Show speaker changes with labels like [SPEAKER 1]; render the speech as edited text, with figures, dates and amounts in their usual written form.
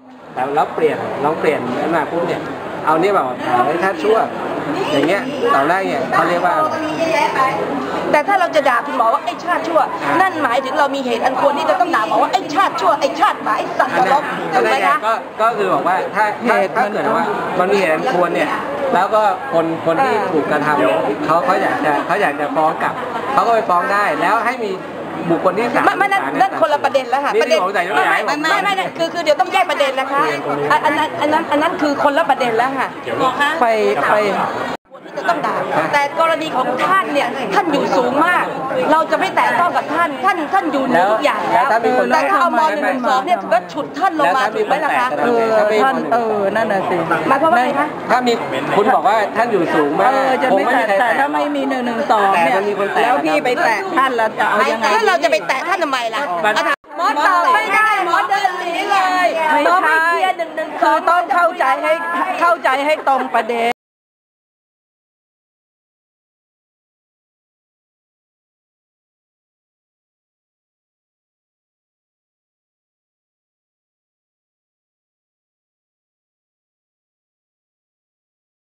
[SPEAKER 1] แต่เราเปลี่ยนมาปุ๊บเนี่ยเอานี่แบบไอ้ชาติชั่วอย่างเงี้ยตอนแรกเนี่ยเขาเรียกว่า
[SPEAKER 2] แต่ถ้าเราจะด่าคุณหมอว่าไอ้ชาติชั่วนั่นหมายถึงเรามีเหตุอันควรที่จะต้องด่าหมอว่าไอ้ชาติชั่วไอ้ชาติหมาไอ้สัตว์นรกถูกไหมคะ
[SPEAKER 1] ก็คือบอกว่าถ้าเกิดว่ามันมีเหตุอันควรเนี่ยแล้วก็คนที่ถูกกระทำเขาอยากจะฟ้องกลับเขาก็ไปฟ้องได้แล้วให้มีบุคคลที่สาม
[SPEAKER 2] นั่นคนละประเด็นแล้วค่ะประเด็นไม่คือเดี๋ยวต้องแยกประเด็นนะคะอันนั้นคือคนละประเด็นแล้วค่ะไปที่จะต้องด่าแต่กรณีของท่านเนี่ยท่านอยู่สูงมากเราจะไม่แตะต้องกับท่านอยู่เหนือทุกอย่างแล้วแต่ถ้าเอาม.112เนี่ยก็ฉุดท่านลงมาถูกไหมล่ะคะ
[SPEAKER 3] ท่านนั่นน่ะสิ
[SPEAKER 2] หมายความว่าไงคะ
[SPEAKER 1] ถ้ามีคุณบอกว่าท่านอยู่สูงมาก
[SPEAKER 3] จะไม่แต่ถ้าไม่มี112เนี่ยแล้วพี่ไปแตะท่านแล้วจะเอายังไง
[SPEAKER 2] ถ้าเราจะไปแตะท่านทำไมล่ะหมอตอบไม่ได้หมอเดินหนีเลยหมอไม่เคลียร์112
[SPEAKER 3] คือต้องเข้าใจให้ตรงประเด็น